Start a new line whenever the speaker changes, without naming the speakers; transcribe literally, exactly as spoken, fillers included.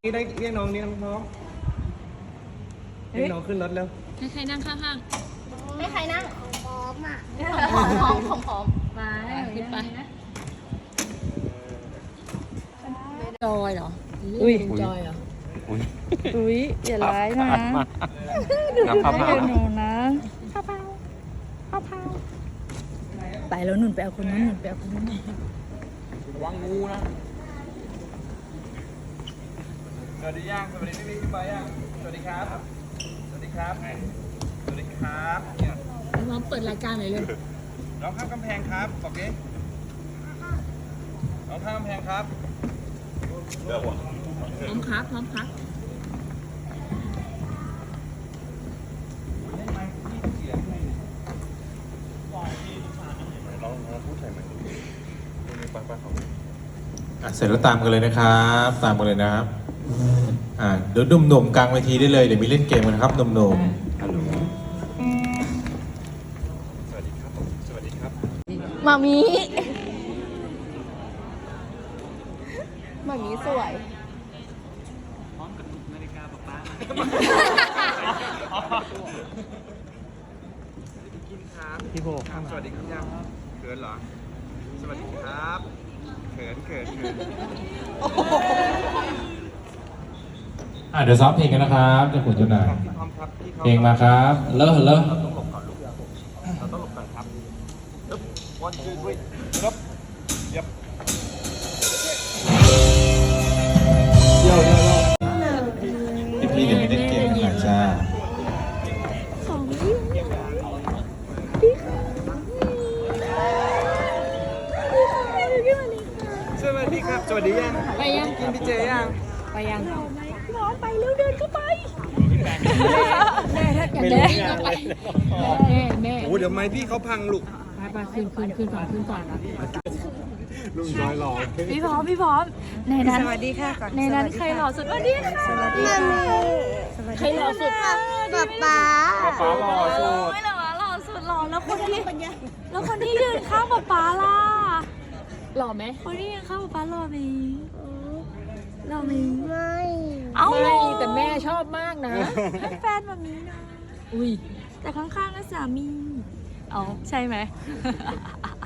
นี่ได้เรียกน้องนี่น้องเรียกน้องขึ้นรถเร็ว
ให้ใครนั่งข้าง
ให้ใครนั่งพร้อมอ่ะพร้อมพร้อมพร้อมมา
ๆขึ้นไปจอยเหรอ
อุ้ย
จอยเหรอ
อุ้ยอย่าร้ายนะ
น้ำพาพา
หนูนะข้าวเผาข้าวเผาไปแล้วหนุนไปเอาคนนั้นหนุนไปเอาคนนั้น
ระวังงูนะสวัสดีย่างสวัสดีพี่บิ๊กพี่ไปย่างสวัสดีครับสวัสดีครับสวัสดีครับเนี่ย
น้องเปิดรายการหน่อยเลย
น้องข้ามกำแพงครับบอกดิน้องข้ามกำแพงครับเลือกว่ะ
พร้อมครับพร้อมครับ
เสร็จแล้วตามกันเลยนะครับตามกันเลยนะครับอ่าเดี๋ยวหนุ่มๆกลางเวทีได้เลยเดี๋ยวมีเล่นเกมกันนะครับหนุ่มๆฮัลโหล
สวัสดีครับผมสวัสดีครับ
มามีมามีสวย
พร้อมกับนาฬิกาป๊าป๊ากินครับพี่โบครับสวัสดีครับย่างเขินเหรอสวัสดีครับเขินเขินเขิน
อ่าเดี๋ยวซ้อมเพลงกันนะครับเจ้าขุนเจ้านาย
พี่พร้อมครับพี่
เพลงมาครับเลิกเลิก
เราต้องหลบก่อนลูกเราต้องหลบก่อนครับยึบวันชื่อด้วยยึบยับเยี่ยวเยี่ยวเยี่ยว
พี่ๆเดี๋ยวมีเล่นเกมกันหน่อยจ้า
สวัสดีครับสวัสดียัง
ไปยัง
กินพี่เจยัง
ไปยัง
ร้อนไปเร็วเดินเข้าไป
แม่ถ้าอยากจะวิ่งก็ไปแม่แม่
โอ้เดี๋ยวไม้พี่เขาพังลูก
ไปไปขึ้นขึ้นขึ้นก่อนขึ้นก่อน
ลุงน้อยหล่อ
พี่พร้อมพี่พร้อมในนั้น
สวัสดีค่ะก่อน
ในนั้นใครหล่อสุดสวัสดีค่ะสวัสดีค่ะ
ใครหล่อสุด
ป๊าป๊า
ฟ้าหล่อสุด
ไม่หล่อหล่อสุดหล่อแล้วคนที่แล้วคนที่ยืนข้างป๊าป๊าล่ะ
หล่อไหม
คนที่ยืนข้างป๊าป๊าหล่อไหมหล่อไหม
ไม่
เอ้า
ไม่แต่แม่ชอบมากนะ
ให้แฟนแบบนี้นะ
อุ้ย
แต่ข้างๆก็สามีอ๋อใช่ไหม